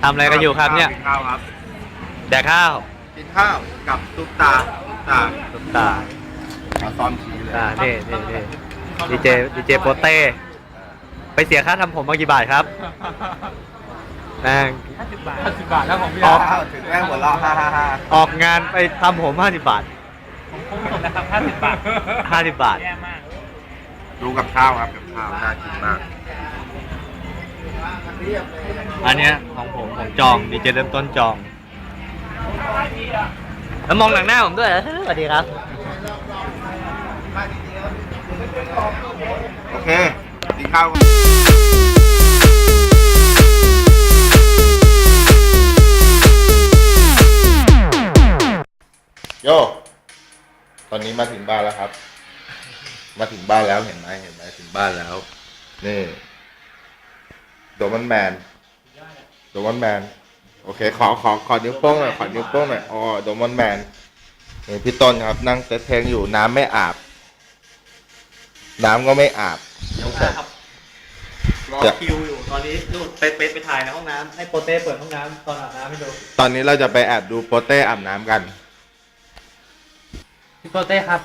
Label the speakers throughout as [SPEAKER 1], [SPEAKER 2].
[SPEAKER 1] ทำอะไรกันอยู่ครับเนี่ย
[SPEAKER 2] กินข้าวครับ
[SPEAKER 1] แดกข้าว
[SPEAKER 2] กินข้าวกับตุ๊กตา
[SPEAKER 1] ตุ๊กตา
[SPEAKER 2] เอาซ้อมชี้เลย
[SPEAKER 1] นี่ดีเจโปเต้ ไปเสียค่าทำผมมากี่บาทครับนั่ง
[SPEAKER 3] 50 บาทแล้วของพี่
[SPEAKER 1] ออก
[SPEAKER 2] ถึงแม่หัวเราะฮ่า
[SPEAKER 1] ออกงานไปทำผม50 บาท
[SPEAKER 3] ผมคุ้มสุดนะครับ50 บาท
[SPEAKER 1] 50 บาท
[SPEAKER 3] แย่มาก
[SPEAKER 2] ดูกับข้าวครับกับข้าวน่ากินมาก
[SPEAKER 1] อันเนี้ยของผมจองดีเจเริ่มต้นจอง แล้วมองหลังหน้าผมด้วยสวัสดีครับ
[SPEAKER 2] โอเคกินข้าวโยตอนนี้มาถึงบ้านแล้วครับ มาถึงบ้านแล้วเห็นไหมถึงบ้านแล้ว นี่โดมันแมนโอเคขอนิ้วโป้งหน่อยอ๋อโดมันแมนนี่พี่ต้นครับนั่งเซตเพลงอยู่น้ำไม่อาบ น้ำก็ไม่อาบ
[SPEAKER 1] รอคิวอยู่ตอนนี้นู่นไปถ่ายในห้องน้ำให้โปเต้เปิดห้องน้ำตอนอาบน้ำให้ดู
[SPEAKER 2] ตอนนี้เราจะไปแอบดูโปเต้อาบน้ำกัน
[SPEAKER 1] พี่โปเต้ครับ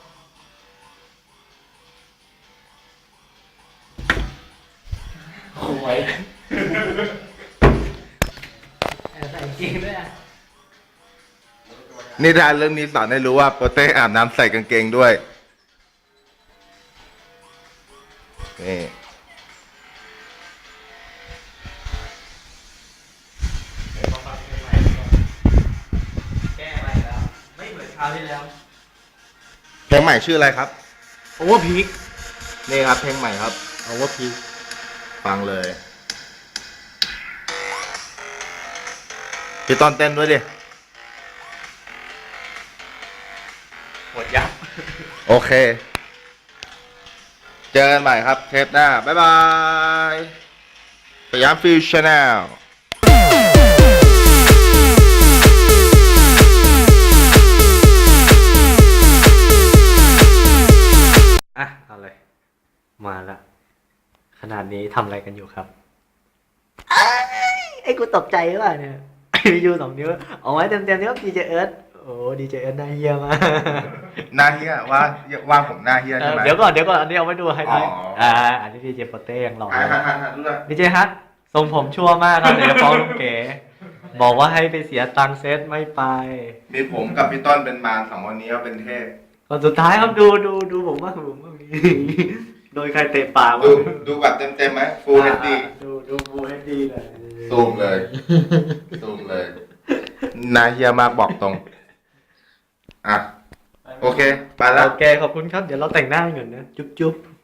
[SPEAKER 1] โอ้ยใส่จริงด้วยอ่ะ
[SPEAKER 2] นิทานเรื่องนี้สอนให้รู้ว่าโปเต้อาบน้ำใส่กางเกงด้วย นี่
[SPEAKER 1] แก้อะไรแล้วไม่เหมือนคราวที่แล้ว
[SPEAKER 2] เพลงใหม่ชื่ออะไรครับ
[SPEAKER 1] โอเวอร์พีค
[SPEAKER 2] นี่ครับเพลงใหม่ครับ
[SPEAKER 1] โอเวอร์พีค
[SPEAKER 2] ฟังเลยพี่ต้นเต้นด้วยดิ
[SPEAKER 1] หมดยับ
[SPEAKER 2] โอเค เจอกันใหม่ครับเทปหน้า บ๊ายบายสยามฟิวชแนล
[SPEAKER 1] อ่ะเอาเลยมาละขนาดนี้ทำอะไรกันอยู่ครับไอ้กูตกใจหรือเปล่าเนี่ย ยู2 นิ้วเอาไว้เต็มๆนี่ครับดีเจเอิร์ธโอ้ดีเจเอิร์ธน่าเฮี้ยมาก
[SPEAKER 2] หน้าเฮียว่าผมหน้าเฮียใช่ไหม
[SPEAKER 1] เดี๋ยวก่อนอันนี้เอาไว้ดูไฮไลท์
[SPEAKER 2] อ๋อ
[SPEAKER 1] อันนี้ดีเจโปเต้ยังหล่อ
[SPEAKER 2] ดูเลย
[SPEAKER 1] ดีเจฮัททรงผมชั่วมากครับเดี๋ยวจะฟ้องลุงเก๋บอกว่าให้ไปเสียตังค์เซตไม่ไป
[SPEAKER 2] มีผมกับพี่ต้นเป็นมาร2 วันนี้ก็เป็นเทพ
[SPEAKER 1] ตอนสุดท้ายครับดูผมว่าโดยใครเตะปาก
[SPEAKER 2] ดูแบบเต็มไหม Full HD
[SPEAKER 1] ดูฟูลเฮดดีเลย
[SPEAKER 2] ซูมเลยหน้าเฮียมากบอกตรง อ่ะ โอเค ไปแล้ว
[SPEAKER 1] โอเคขอบคุณครับเดี๋ยวเราแต่งหน้ากันก่อนนะจุ๊บ